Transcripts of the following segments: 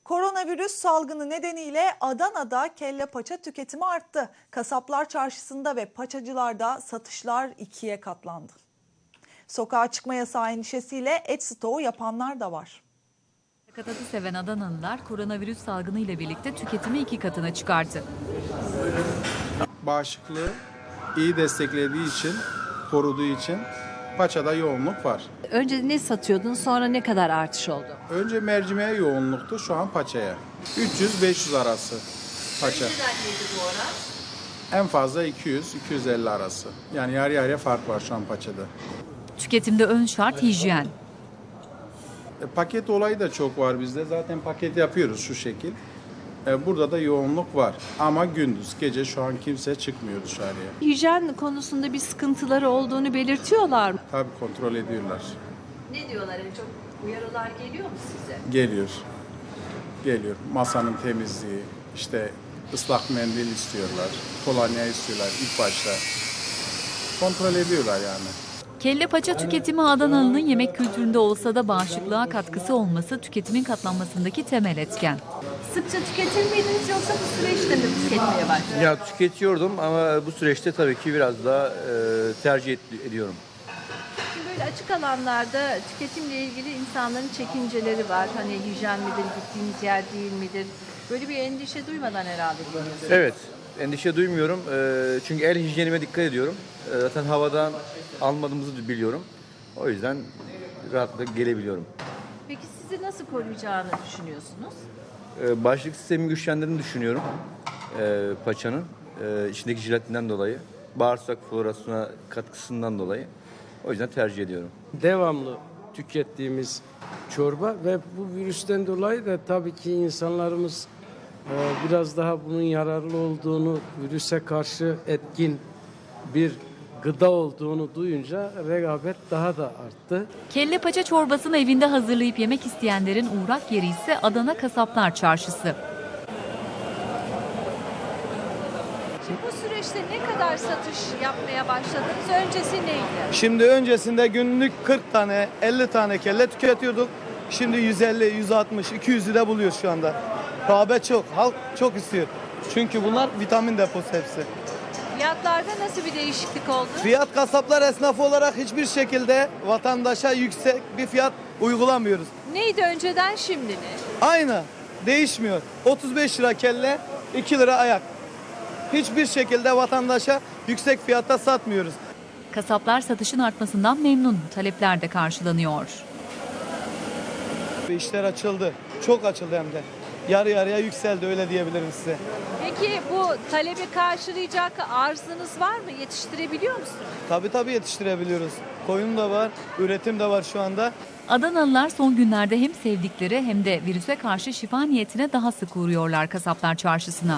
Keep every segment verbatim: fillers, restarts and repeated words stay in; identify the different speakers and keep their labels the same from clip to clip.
Speaker 1: Koronavirüs salgını nedeniyle Adana'da kelle paça tüketimi arttı. Kasaplar çarşısında ve paçacılarda satışlar ikiye katlandı. Sokağa çıkma yasağı endişesiyle et stoğu yapanlar da var.
Speaker 2: Sakatatı seven Adanalılar koronavirüs salgını ile birlikte tüketimi iki katına çıkarttı.
Speaker 3: Bağışıklığı iyi desteklediği için, koruduğu için paçada yoğunluk var.
Speaker 4: Önce ne satıyordun, sonra ne kadar artış oldu?
Speaker 3: Önce mercimeğe yoğunluktu, şu an paçaya. üç yüz beş yüz arası paça. En fazla iki yüz iki yüz elli arası. Yani yarı yarıya fark var şu an paçada.
Speaker 2: Tüketimde ön şart hijyen.
Speaker 3: E, paket olayı da çok var bizde. Zaten paket yapıyoruz şu şekil. E, burada da yoğunluk var. Ama gündüz, gece şu an kimse çıkmıyor dışarıya.
Speaker 4: Hijyen konusunda bir sıkıntıları olduğunu belirtiyorlar mı?
Speaker 3: Tabii kontrol ediyorlar.
Speaker 4: Ne diyorlar? Yani çok uyarılar geliyor mu size?
Speaker 3: Geliyor. Geliyor. Masanın temizliği, işte ıslak mendil istiyorlar, kolonya istiyorlar ilk başta. Kontrol ediyorlar yani.
Speaker 2: Kelle paça tüketimi Adanalı'nın yemek kültüründe olsa da bağışıklığa katkısı olması tüketimin katlanmasındaki temel etken.
Speaker 4: Sıkça tüketir miydiniz yoksa bu süreçte mi tüketmeye başladınız?
Speaker 5: Ya tüketiyordum ama bu süreçte tabii ki biraz daha e, tercih ed- ediyorum.
Speaker 4: Şimdi böyle açık alanlarda tüketimle ilgili insanların çekinceleri var. Hani hijyen midir, gittiğiniz yer değil midir? Böyle bir endişe duymadan herhalde geliyorsunuz.
Speaker 5: Evet, endişe duymuyorum E, çünkü el hijyenime dikkat ediyorum. E, zaten havadan almadığımızı biliyorum. O yüzden rahatlıkla gelebiliyorum.
Speaker 4: Peki sizi nasıl koruyacağını düşünüyorsunuz?
Speaker 5: E, bağışıklık sistemini güçlendirdiğini düşünüyorum e, paçanın. E, içindeki jelatinden dolayı, bağırsak florasına katkısından dolayı. O yüzden tercih ediyorum.
Speaker 6: Devamlı tükettiğimiz çorba ve bu virüsten dolayı da tabii ki insanlarımız e, biraz daha bunun yararlı olduğunu, virüse karşı etkin bir gıda olduğunu duyunca rekabet daha da arttı.
Speaker 2: Kelle paça çorbasını evinde hazırlayıp yemek isteyenlerin uğrak yeri ise Adana Kasaplar Çarşısı.
Speaker 4: Şimdi bu süreçte ne kadar satış yapmaya başladınız? Öncesi neydi?
Speaker 7: Şimdi öncesinde günlük kırk tane, elli tane kelle tüketiyorduk. Şimdi yüz elli, yüz altmış, iki yüzü de buluyoruz şu anda. Rağbet çok, halk çok istiyor. Çünkü bunlar vitamin deposu hepsi.
Speaker 4: Fiyatlarda nasıl bir değişiklik oldu?
Speaker 7: Fiyat kasaplar esnafı olarak hiçbir şekilde vatandaşa yüksek bir fiyat uygulamıyoruz.
Speaker 4: Neydi önceden, şimdi ne?
Speaker 7: Aynı, değişmiyor. otuz beş lira kelle, iki lira ayak. Hiçbir şekilde vatandaşa yüksek fiyatta satmıyoruz.
Speaker 2: Kasaplar satışın artmasından memnun, talepler de karşılanıyor.
Speaker 7: İşler açıldı, çok açıldı hem de. Yarı yarıya yükseldi, öyle diyebilirim size.
Speaker 4: Peki bu talebi karşılayacak arzınız var mı? Yetiştirebiliyor musunuz?
Speaker 7: Tabii tabii yetiştirebiliyoruz. Koyun da var, üretim de var şu anda.
Speaker 2: Adanalılar son günlerde hem sevdikleri hem de virüse karşı şifa niyetine daha sık uğruyorlar Kasaplar Çarşısı'na.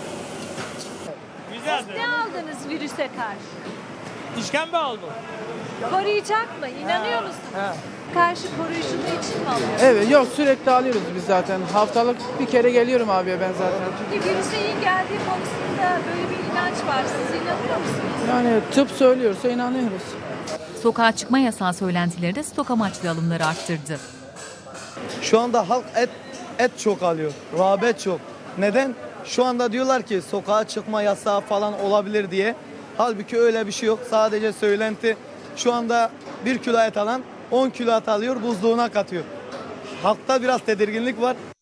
Speaker 4: Ne aldınız virüse karşı?
Speaker 8: İşkembe aldım.
Speaker 4: Koruyacak mı? İnanıyor musunuz? Karşı koruyuculuğu için mi alıyorsunuz?
Speaker 9: Evet, yok sürekli alıyoruz biz zaten. Haftalık bir kere geliyorum abiye ben zaten.
Speaker 4: Peki virüse iyi geldiği konusunda böyle bir inanç var. Siz inanıyor musunuz?
Speaker 9: Yani tıp söylüyorsa inanıyoruz.
Speaker 2: Sokağa çıkma yasağı söylentileri de stok amaçlı alımları arttırdı.
Speaker 7: Şu anda halk et et çok alıyor. Rağbet çok. Neden? Şu anda diyorlar ki sokağa çıkma yasağı falan olabilir diye. Halbuki öyle bir şey yok. Sadece söylenti. Şu anda bir kilo et alan on kilo et alıyor, buzluğuna katıyor. Halkta biraz tedirginlik var.